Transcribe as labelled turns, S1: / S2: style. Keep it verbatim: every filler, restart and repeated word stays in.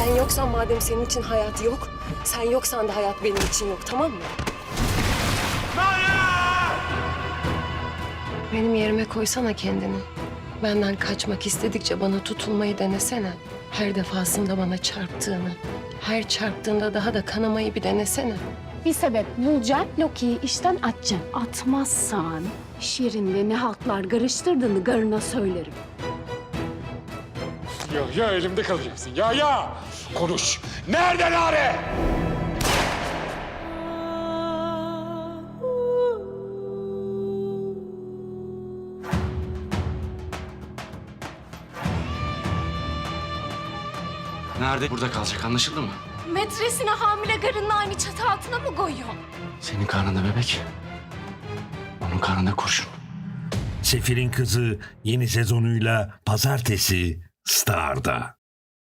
S1: Ben yoksam madem senin için hayat yok, sen yoksan da hayat benim için yok, tamam mı? Benim yerime koysana kendini. Benden kaçmak istedikçe bana tutulmayı denesene. Her defasında bana çarptığını, her çarptığında daha da kanamayı bir denesene.
S2: Bir sebep bulacaksın, Loki'yi işten atacaksın. Atmazsan iş yerinde ne haltlar karıştırdığını garına söylerim.
S3: Ya ya elimde kalacaksın. Ya ya. Konuş. Nerede Nare?
S4: Nerede? Burada kalacak, anlaşıldı mı?
S2: Metresine hamile karının aynı çatı altına mı koyuyor?
S4: Senin karnında bebek, onun karnında kurşun.
S5: Sefir'in Kızı yeni sezonuyla pazartesi Star'da.